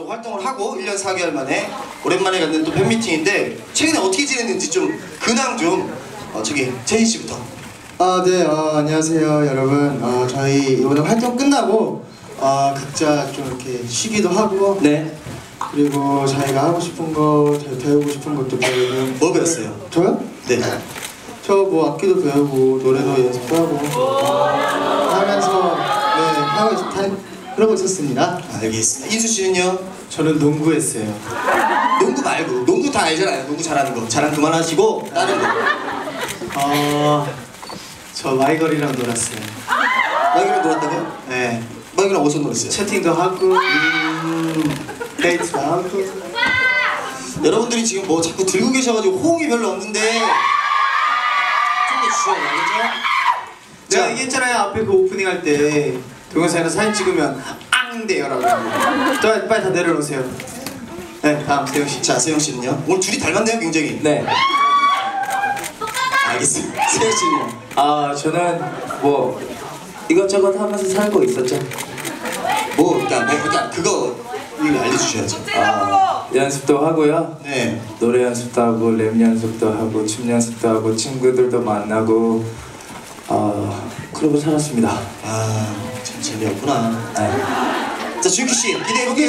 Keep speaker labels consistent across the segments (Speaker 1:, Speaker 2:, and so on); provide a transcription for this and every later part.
Speaker 1: 또 활동을 하고 1년 4개월 만에 오랜만에 갖는 또 팬미팅인데 최근에 어떻게 지냈는지 좀 근황 좀 저기 제니 씨부터.
Speaker 2: 네, 안녕하세요 여러분. 저희 이번에 활동 끝나고 각자 좀 이렇게 쉬기도 하고,
Speaker 1: 네.
Speaker 2: 그리고 자기가 하고 싶은 거, 배우고 싶은 것도 배우고.
Speaker 1: 뭐 배웠어요?
Speaker 2: 저요?
Speaker 1: 네.
Speaker 2: 저 뭐 악기도 배우고 노래도 연습도 하고 하면서 그러고 있었습니다.
Speaker 1: 알겠습니다. 인수 씨는요?
Speaker 2: 저는 농구했어요.
Speaker 1: 농구 말고 농구 다 알잖아요. 농구 잘하는 거. 자랑 그만하시고 다른 거.
Speaker 2: 저 마이걸이랑 놀았어요.
Speaker 1: 마이크랑 놀았다고요?
Speaker 2: 네.
Speaker 1: 마이크랑 어디서 놀았어요?
Speaker 2: 채팅도 하고 데이트도 하고.
Speaker 1: 여러분들이 지금 뭐 자꾸 들고 계셔가지고 호응이 별로 없는데 좀 더 주셔야 되겠죠?
Speaker 2: 제가 얘기했잖아요. 앞에 그 오프닝 할 때 동영상에서 사진 찍으면 앙대요라고. 빨리 다 내려놓으세요. 네, 다음 세영 씨.
Speaker 1: 자, 세영 씨는요? 오늘 둘이 닮았네요, 굉장히.
Speaker 3: 네.
Speaker 1: 알겠습니다. 세영 씨는요?
Speaker 3: 저는 뭐 이것저것 하면서 살고 있었죠.
Speaker 1: 그러니까 그거 이거 알려주셔야죠.
Speaker 3: 연습도 하고요.
Speaker 1: 네.
Speaker 3: 노래 연습도 하고 랩 연습도 하고 춤 연습도 하고 친구들도 만나고 그러고 살았습니다.
Speaker 1: 참 재미없구나.
Speaker 3: 네.
Speaker 1: 자, 준키 씨 기대해볼게요.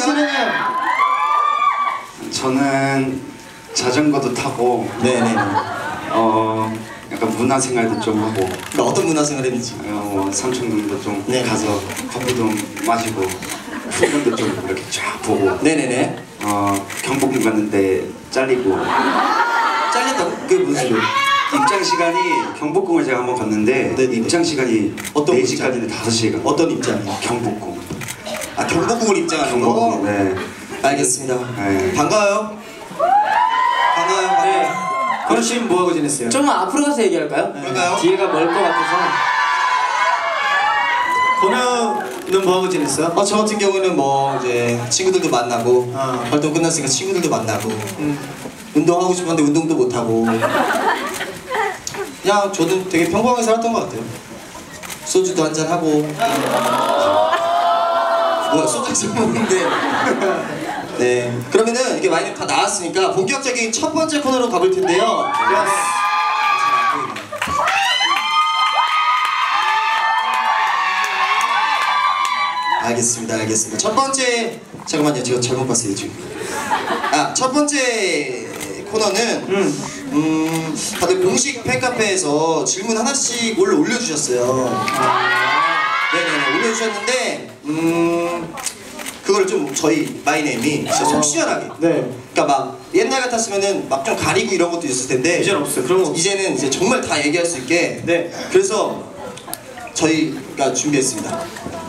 Speaker 4: 저는 자전거도 타고
Speaker 1: 네네.
Speaker 4: 약간 문화생활도 좀 하고
Speaker 1: 그러니까 어떤 문화생활 했는지.
Speaker 4: 삼청동도 좀
Speaker 1: 네.
Speaker 4: 가서 커피도 마시고 풍경도 좀 이렇게 쫙 보고
Speaker 1: 네네네.
Speaker 4: 경복궁 갔는데 잘리고
Speaker 1: 잘렸다고? 그게 무슨 소리예요?
Speaker 4: 입장 시간이 경복궁을 제가 한번 갔는데
Speaker 1: 네네네.
Speaker 4: 입장 시간이
Speaker 1: 어떤
Speaker 4: 4시까지인데 5시간
Speaker 1: 어떤 입장이요?
Speaker 4: 경복궁
Speaker 1: 경복궁을 입장하는 거?
Speaker 4: 경복궁 네.
Speaker 1: 알겠습니다.
Speaker 4: 네.
Speaker 1: 반가워요. 반가워요.
Speaker 3: 네.
Speaker 2: 그럼 씨는 뭐하고 지냈어요?
Speaker 3: 좀 앞으로 가서 얘기할까요?
Speaker 1: 그럴까요?
Speaker 3: 뒤에가 멀 것 같아서.
Speaker 2: 건우는 뭐하고 지냈어요?
Speaker 1: 저 같은 경우는 뭐 이제 친구들도 만나고 활동 끝났으니까 친구들도 만나고 운동하고 싶었는데 운동도 못 하고 그냥 저는 되게 평범하게 살았던 것 같아요. 소주도 한잔 하고 뭐야 소주 한잔 먹는데 네 그러면은 이렇게 와인이 다 나왔으니까 본격적인 첫 번째 코너로 가볼 텐데요. 알겠습니다. 첫 번째 잠깐만요, 제가 잘못 봤어요 지금. 첫 번째 코너는 다들 공식 팬카페에서 질문 하나씩 올려주셨어요. 네네네 올려주셨는데 그걸 좀 저희 마이네임이 진짜 속 시원하게.
Speaker 2: 네.
Speaker 1: 그러니까 막 옛날 같았으면은 막 좀 가리고 이런 것도 있었을 텐데
Speaker 2: 이제는 없어요. 그런 거 없어요.
Speaker 1: 이제는 이제 정말 다 얘기할 수 있게.
Speaker 2: 네.
Speaker 1: 그래서 저희가 준비했습니다.